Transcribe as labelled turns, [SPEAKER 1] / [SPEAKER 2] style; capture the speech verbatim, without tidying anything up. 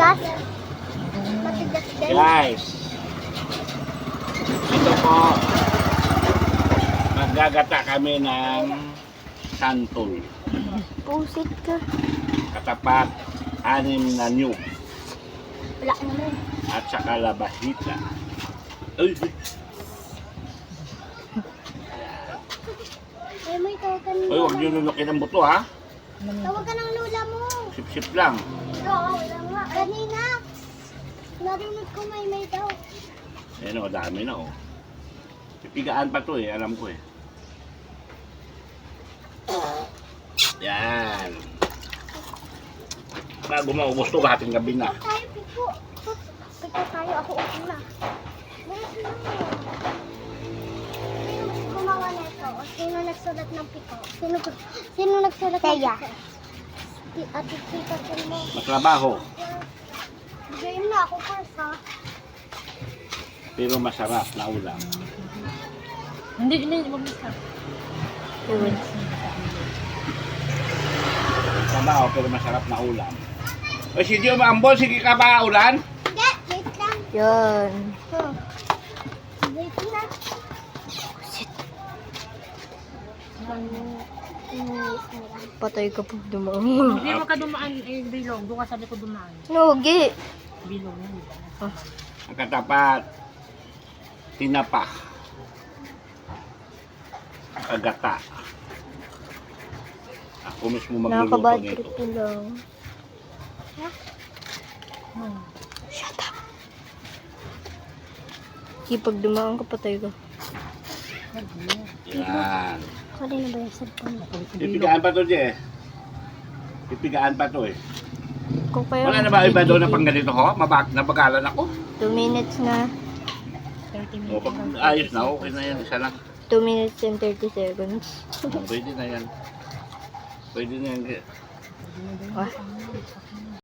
[SPEAKER 1] Matigas. Matigas din.
[SPEAKER 2] Guys, ito po, maggagata kami ng santol.
[SPEAKER 1] Pusit ka.
[SPEAKER 2] Katapat, anim na nyug
[SPEAKER 1] Wala naman.
[SPEAKER 2] at saka labahita. Uy, uy.
[SPEAKER 1] Ay, may tawagan
[SPEAKER 2] Uy, huwag nyo nunukin ang buto ha.
[SPEAKER 1] Tawagan ng lula mo.
[SPEAKER 2] Sip-sip lang.
[SPEAKER 1] Oo, wala nga. Kanina. Narinig ko may may daw.
[SPEAKER 2] Ayan o, dami na o. Pipigaan pa to eh, alam ko eh. Yan. Bago maubos to, hating gabi na.
[SPEAKER 1] Tayo, piko. Piko tayo. Ako upo na. Sino gumawa nito? O sino nagsulat ng piko? Sino, sino nagsulat ng piko? Si Ate Tita mo.
[SPEAKER 2] Matrabaho,
[SPEAKER 1] Game na ako first ha.
[SPEAKER 2] pero masarap na ulam.
[SPEAKER 3] Hindi, hindi, wag na.
[SPEAKER 2] Trabaho, pero masarap na ulam. O si Dio Maambol, sige ka ba ulan?
[SPEAKER 1] Hindi, wait lang.
[SPEAKER 3] Yan.
[SPEAKER 1] Huh. Wait lang.
[SPEAKER 3] Patay ka po dumaan.
[SPEAKER 4] Hindi mo ka dumaan, eh, bilog. Doon ka sa likod dumaan.
[SPEAKER 3] Nugi.
[SPEAKER 4] Bilog na, di ba?
[SPEAKER 2] Ang katapat, tinapa. Kagata. Ako mismo magluluto
[SPEAKER 3] Nakakabad
[SPEAKER 2] nito.
[SPEAKER 3] trip ko lang.
[SPEAKER 4] Hmm.
[SPEAKER 3] Shut up. Kipag dumaan ka, patay ka.
[SPEAKER 2] Yan.
[SPEAKER 1] Kanina ba yung cellphone?
[SPEAKER 2] Pipigaan pa to, Je. Pipigaan pa to eh.
[SPEAKER 3] Kung kaya
[SPEAKER 2] Wala na ba iba doon na pang ganito ho? Mabag nabagalan ako.
[SPEAKER 3] two minutes na.
[SPEAKER 4] thirty
[SPEAKER 2] O,
[SPEAKER 4] minutes.
[SPEAKER 2] pag ayos na, okay na yan. Isa lang.
[SPEAKER 3] two minutes and thirty seconds.
[SPEAKER 2] O, pwede na yan. Pwede na yan.
[SPEAKER 3] Ah.